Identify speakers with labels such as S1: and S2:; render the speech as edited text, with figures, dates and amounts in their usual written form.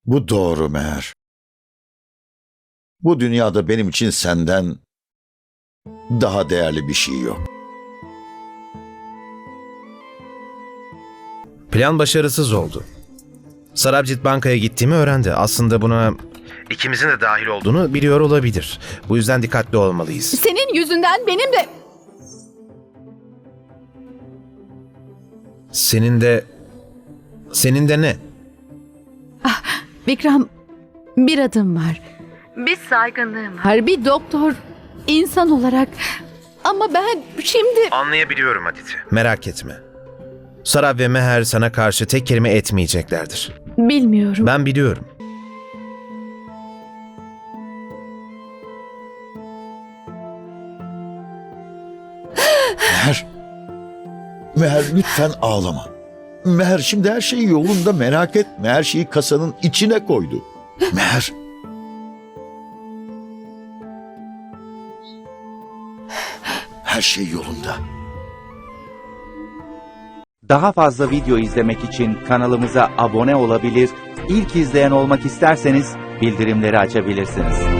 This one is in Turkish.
S1: Bu doğru Meher. Bu dünyada benim için senden daha değerli bir şey yok.
S2: Plan başarısız oldu. Sarabjit bankaya gittiğimi öğrendi. Aslında buna ikimizin de dahil olduğunu biliyor olabilir. Bu yüzden dikkatli olmalıyız.
S3: Senin yüzünden benim de...
S2: Senin de ne?
S3: Vikram, bir adım var. Bir saygınlığım var. Bir doktor, insan olarak. Ama ben şimdi...
S2: Anlayabiliyorum Aditi. Merak etme. Sarab ve Meher sana karşı tek kelime etmeyeceklerdir.
S3: Bilmiyorum.
S2: Ben biliyorum.
S1: Meher. Meher lütfen ağlama. Meher şimdi her şey yolunda, merak etme. Her şeyi kasanın içine koydu. Meher. Her şey yolunda.
S4: Daha fazla video izlemek için kanalımıza abone olabilir, ilk izleyen olmak isterseniz bildirimleri açabilirsiniz.